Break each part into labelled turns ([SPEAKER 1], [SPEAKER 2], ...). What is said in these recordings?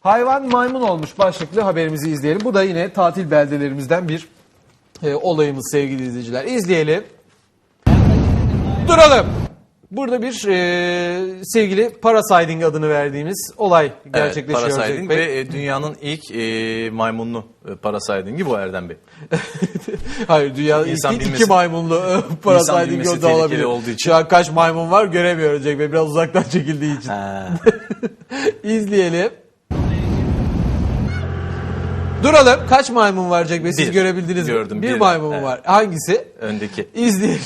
[SPEAKER 1] Hayvan maymun olmuş başlıklı haberimizi izleyelim. Bu da yine tatil beldelerimizden bir olayımız sevgili izleyiciler. İzleyelim. Duralım. Burada bir sevgili parasiding adını verdiğimiz olay gerçekleşiyor.
[SPEAKER 2] Evet, parasiding ve dünyanın ilk maymunlu parasidingi bu Erdem Bey.
[SPEAKER 1] Hayır, dünyanın ilk iki maymunlu parasiding da olabilir.
[SPEAKER 2] Olduğu için.
[SPEAKER 1] Şu an kaç maymun var göremiyoruz Cenk Bey, biraz uzaktan çekildiği için. İzleyelim. Duralım. Kaç maymun var Cenk Bey? Siz görebildiniz mi?
[SPEAKER 2] Gördüm.
[SPEAKER 1] Bir maymun var. Hangisi?
[SPEAKER 2] Öndeki.
[SPEAKER 1] İzleyelim.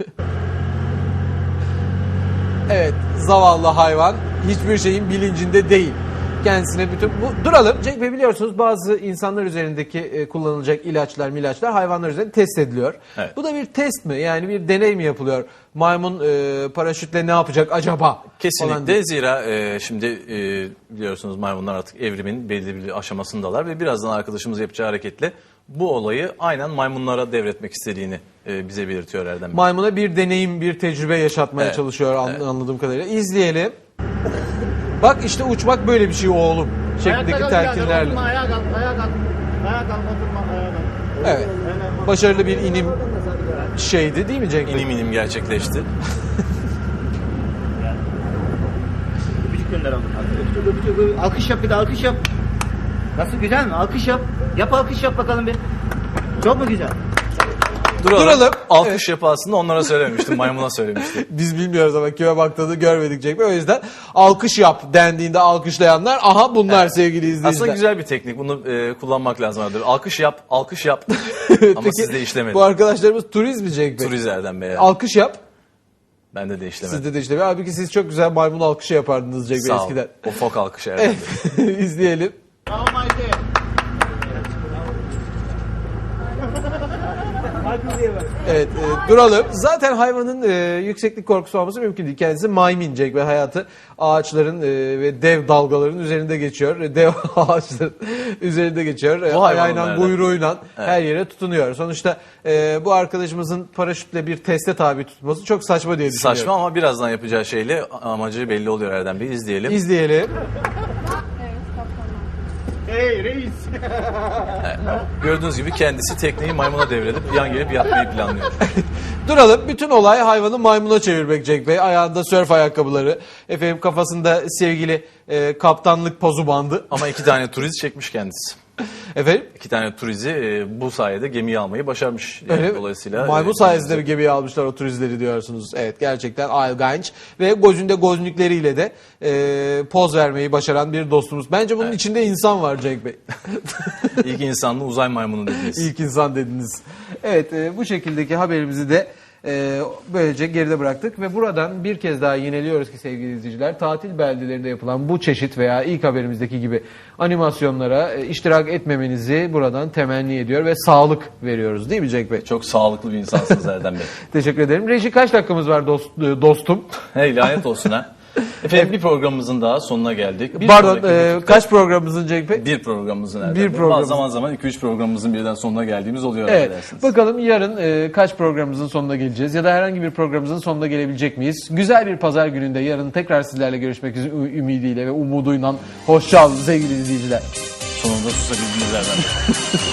[SPEAKER 1] Evet, zavallı hayvan hiçbir şeyin bilincinde değil. Kendisine bütün... Duralım. Cenk Bey, biliyorsunuz bazı insanlar üzerindeki kullanılacak ilaçlar hayvanlar üzerinde test ediliyor.
[SPEAKER 2] Evet.
[SPEAKER 1] Bu da bir test mi? Yani bir deney mi yapılıyor? Maymun paraşütle ne yapacak acaba?
[SPEAKER 2] Kesinlikle. Zira şimdi biliyorsunuz maymunlar artık evrimin belli bir aşamasındalar ve birazdan arkadaşımız yapacağı hareketle bu olayı aynen maymunlara devretmek istediğini bize belirtiyor Erdem Bey.
[SPEAKER 1] Maymuna bir deneyim, bir tecrübe yaşatmaya çalışıyor anladığım kadarıyla. İzleyelim. Bak işte uçmak böyle bir şey oğlum şeklindeki telkinlerle.
[SPEAKER 3] Ayağa kalk, ayağa kalk. Ayağa kalk, oturma, ayağa kalk.
[SPEAKER 1] Evet. Başarılı bir inim şeydi değil mi Cenk Bey?
[SPEAKER 2] İnim gerçekleşti.
[SPEAKER 3] Öpücük gönder abi. Öpücük. Alkış yap, bir de alkış yap. Nasıl, güzel mi? Alkış yap. Yap, alkış yap bakalım bir. Çok mu güzel?
[SPEAKER 1] Duralım.
[SPEAKER 2] Alkış yapı aslında onlara söylememiştim, maymuna söylemiştim.
[SPEAKER 1] Biz bilmiyoruz ama kime baktığını görmedik Cenk Bey. O yüzden alkış yap dendiğinde alkışlayanlar aha bunlar sevgili izleyiciler.
[SPEAKER 2] Aslında güzel bir teknik. Bunu kullanmak lazım. Alkış yap, alkış yap. Ama
[SPEAKER 1] Peki,
[SPEAKER 2] sizde işlemedi.
[SPEAKER 1] Bu arkadaşlarımız turist mi Cenk Bey?
[SPEAKER 2] Turist Erdem Bey.
[SPEAKER 1] Alkış yap.
[SPEAKER 2] Bende de işlemedi.
[SPEAKER 1] Sizde de işlemiyor. Halbuki siz çok güzel maymun alkışı yapardınız Cenk Bey
[SPEAKER 2] Sağ ol.
[SPEAKER 1] eskiden.
[SPEAKER 2] O fok alkışı Erdem Bey.
[SPEAKER 1] İzleyelim. Evet, duralım. Zaten hayvanın yükseklik korkusu olması mümkün değil. Kendisi maymincek ve hayatı ağaçların ve dev dalgaların üzerinde geçiyor. Dev ağaçların üzerinde geçiyor. Ayağıyla, kuyruğuyla her yere tutunuyor. Sonuçta bu arkadaşımızın paraşütle bir teste tabi tutması çok saçma diye düşünüyorum.
[SPEAKER 2] Saçma ama birazdan yapacağı şeyle amacı belli oluyor Erdem Bey. İzleyelim.
[SPEAKER 1] İzleyelim.
[SPEAKER 3] Hey reis.
[SPEAKER 2] Gördüğünüz gibi kendisi tekneyi maymuna devredip yan gelip yatmayı planlıyor.
[SPEAKER 1] Duralım. Bütün olay hayvanı maymuna çevirmek Cenk Bey. Ayağında sörf ayakkabıları. Efendim kafasında sevgili kaptanlık pozu bandı.
[SPEAKER 2] Ama 2 tane turist çekmiş kendisi.
[SPEAKER 1] Efendim?
[SPEAKER 2] 2 tane turizi bu sayede gemiyi almayı başarmış. Yani
[SPEAKER 1] öyle,
[SPEAKER 2] dolayısıyla
[SPEAKER 1] maymun sayesinde bir gemiye almışlar o turistleri diyorsunuz. Evet, gerçekten ilginç. Ve gözünde gözlükleriyle de poz vermeyi başaran bir dostumuz. Bence bunun içinde insan var Cenk Bey.
[SPEAKER 2] İlk insanlı uzay maymunu dediniz.
[SPEAKER 1] İlk insan dediniz. Evet, bu şekildeki haberimizi de böylece geride bıraktık ve buradan bir kez daha yineliyoruz ki sevgili izleyiciler, tatil beldelerinde yapılan bu çeşit veya ilk haberimizdeki gibi animasyonlara iştirak etmemenizi buradan temenni ediyor ve sağlık veriyoruz değil mi Cenk Bey?
[SPEAKER 2] Çok sağlıklı bir insansınız Erdem Bey.
[SPEAKER 1] Teşekkür ederim. Reji, kaç dakikamız var dostum?
[SPEAKER 2] Hey, lanet olsun ha. Efendim bir programımızın daha sonuna geldik.
[SPEAKER 1] Kaç programımızın Cenk Bey?
[SPEAKER 2] Bir programımızın Erdem
[SPEAKER 1] Bir
[SPEAKER 2] Bey.
[SPEAKER 1] program.
[SPEAKER 2] Zaman zaman 2-3 programımızın birden sonuna geldiğimiz oluyor.
[SPEAKER 1] Evet. Bakalım yarın kaç programımızın sonuna geleceğiz ya da herhangi bir programımızın sonuna gelebilecek miyiz? Güzel bir pazar gününde yarın tekrar sizlerle görüşmek ümidiyle ve umuduyla hoşça kalın sevgili izleyiciler.
[SPEAKER 2] Sonunda susabildiniz Erdem Bey.